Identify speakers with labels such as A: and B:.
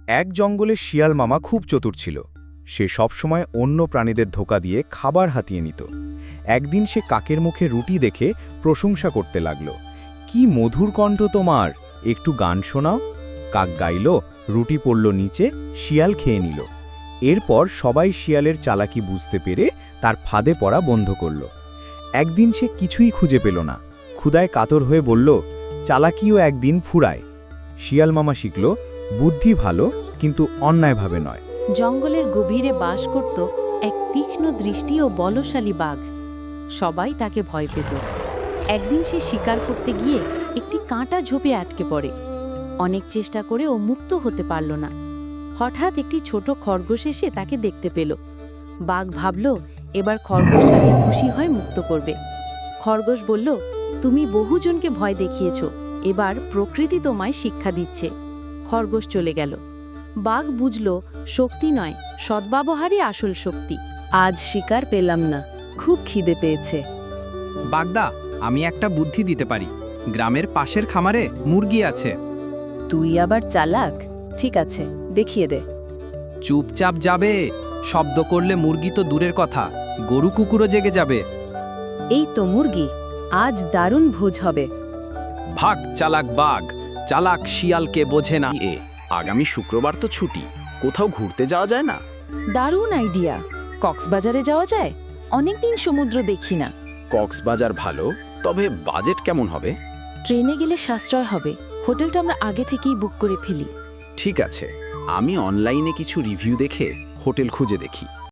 A: এক জঙ্গলে শিয়াল মামা খুব চতুর ছিল। সে সবসময় অন্য প্রাণীদের ধোঁকা দিয়ে খাবার হাতিয়ে নিত। একদিন সে কাকের মুখে রুটি দেখে প্রশংসা করতে লাগল। কি মধুর কণ্ঠ তোমার, একটু গান শোনাও। কাক গাইল, রুটি পড়ল নিচে, শিয়াল খেয়ে নিল। এরপর সবাই শিয়ালের চালাকি বুঝতে পেরে তার ফাঁদে পড়া বন্ধ করল। একদিন সে কিছুই খুঁজে পেল না। ক্ষুধায় কাতর হয়ে বলল, চালাকিও একদিন ফুরায়। শিয়াল মামা শিখল, বুদ্ধি ভালো, কিন্তু অন্যায়ভাবে নয়।
B: জঙ্গলের গভীরে বাস করত এক তীক্ষ্ণ দৃষ্টি ও বলশালী বাঘ। সবাই তাকে ভয় পেত। একদিন সে শিকার করতে গিয়ে একটি কাঁটা ঝোপে আটকে পড়ে। অনেক চেষ্টা করে ও মুক্ত হতে পারল না। হঠাৎ একটি ছোট খরগোশ এসে তাকে দেখতে পেল। বাঘ ভাবল, এবার খরগোশ তাকে খুশি হয় মুক্ত করবে। খরগোশ বলল, তুমি বহুজনকে ভয় দেখিয়েছ, এবার প্রকৃতি তোমায় শিক্ষা দিচ্ছে। খরগোশ চলে গেল। বাঘ বুঝল, শক্তি নয়, সদ্ব্যবহারই আসল শক্তি।
C: আজ শিকার পেলাম না, খুব খিদে পেয়েছে।
D: বাগদা, আমি একটা বুদ্ধি দিতে পারি। গ্রামের পাশের খামারে মুরগি আছে।
C: তুই আবার চালাক? ঠিক আছে, দেখিয়ে দে।
D: চুপচাপ যাবে, শব্দ করলে মুরগি তো দূরের কথা, গরু কুকুরও জেগে যাবে।
C: এই তো মুরগি, আজ দারুণ ভোজ হবে।
D: ভাগ চালাক বাঘ, চালাক শিয়ালকে বোঝে না।
E: আগামী শুক্রবার তো ছুটি, কোথাও ঘুরতে যাওয়া যায় না?
C: দারুণ আইডিয়া, কক্সবাজারে যাওয়া যায়, অনেকদিন সমুদ্র দেখি না।
E: কক্সবাজার ভালো, তবে বাজেট কেমন হবে?
C: ট্রেনে গেলে সাশ্রয় হবে, হোটেলটা আমরা আগে থেকেই বুক করে ফেলি।
E: ঠিক আছে, আমি অনলাইনে কিছু রিভিউ দেখে হোটেল খুঁজে দেখি।